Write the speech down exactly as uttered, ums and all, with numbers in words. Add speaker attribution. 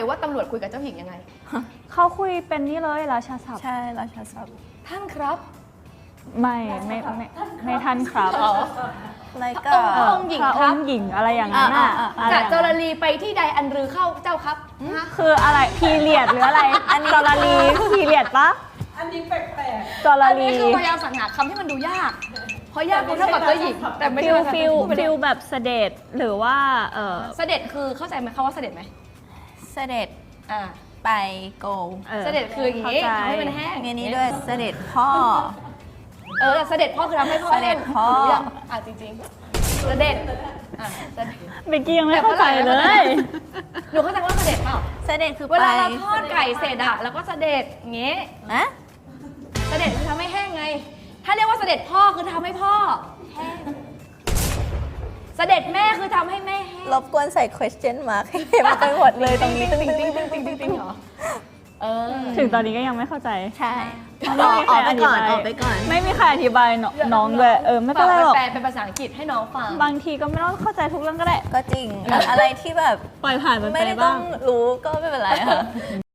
Speaker 1: รือว่าตำรวจคุยกับเจ้าหญิงยังไง
Speaker 2: เขาคุยเป็นนี่เลยราชาศัพท์
Speaker 3: ใช่ราชาศัพท์
Speaker 1: ท่านครับ
Speaker 2: ไม่ไม่ไม่ไม่ทันครับ
Speaker 1: อ๋อ
Speaker 3: อะไรก็
Speaker 2: เอ่อ
Speaker 1: องค์หญิง
Speaker 2: พระ
Speaker 1: ค
Speaker 2: อ
Speaker 1: รับ
Speaker 2: งค์หญิงอะไรอย่างนั้นอ่ะ
Speaker 3: อ่าอ่า
Speaker 2: อะไร
Speaker 1: กะ
Speaker 2: อย่าง
Speaker 1: จ
Speaker 2: นั้น
Speaker 1: รลีไปที่ใดอันรือเข้าเจ้าครับฮะ
Speaker 2: คืออะไรพีเรียดหรืออะไรอันจรลีพีเรียดปะ
Speaker 4: อันนี้แปลก
Speaker 2: จร
Speaker 1: อัน
Speaker 2: ลี
Speaker 1: นี้คือพยายามสรรหาคำที่มันดูยาก เพราะยากคือเท่ากับเจ้าหญิง แต่ไม่
Speaker 2: ฟิ
Speaker 1: ใช่
Speaker 2: ล
Speaker 1: ภาษา
Speaker 2: ฟิล
Speaker 1: พูดไปเลย
Speaker 2: ฟิลแบบเสด็จหรือว่าเออ
Speaker 1: เสด็จคือเข้าใจไหมคำว่าเสด็จไหม
Speaker 3: เสด็จ
Speaker 1: อ่า
Speaker 3: ไปโก
Speaker 2: ออ
Speaker 1: เสด็จคืออย่างนี้
Speaker 2: เข้าใจ
Speaker 1: ทำให้มันแห้ง
Speaker 3: มีนี้ด้วยเสด็จพ่อ
Speaker 1: เออแต่เสด็จพ่อคือทำให้พ่อ
Speaker 3: เสด็จพ่อ
Speaker 1: รู้ยังอ่ะจริงๆเสด็จอ่ะเสด็จ
Speaker 2: เบกกี้ยังไม่เข้าใจเลย
Speaker 1: หนูเข้าใจว่าเสด็จเปล่า
Speaker 3: เสด็จคือ
Speaker 1: เว
Speaker 3: ไป
Speaker 1: ลาเราทอดไก่เสร็จอะแล้วก็เสด็จอย่างงี้
Speaker 3: นะ
Speaker 1: เสด็จคือทำให้แห้งไง ถ้าเรียกว่าเสด็จพ่อคือทำให้พ่อแห้งเสด็จแม่คือทำให้แม่แห้ง
Speaker 3: รบกวนใส่ question mark ให้เห็นไปหมดเลยตรงนี้ตึ้งตึ้งตึ้งตึ้งตึ้งตึ้ง
Speaker 1: เหรอเออ
Speaker 2: ถึงตอนนี้ก็ยังไม่เข้าใจ
Speaker 3: ใช่
Speaker 2: ไม่มีใครอธิบาย
Speaker 3: ออกไปก่อน
Speaker 2: ไม่มีใครอธิบายน้องน้องด้วยเออไม่เป็นไรหรอก
Speaker 1: แปลเป็นภาษาอังกฤษให้น้องฟัง
Speaker 2: บางทีก็ไม่ต้องเข้าใจทุกเรื่องก็ได้
Speaker 3: ก็จริงอะไรที่แบบ
Speaker 2: ปล่อยผ่านมัน
Speaker 3: ไม่
Speaker 2: ไป
Speaker 3: ได้ต้
Speaker 2: บ้า
Speaker 3: อง งรู้ก็ไม่เป็นไรค่ะ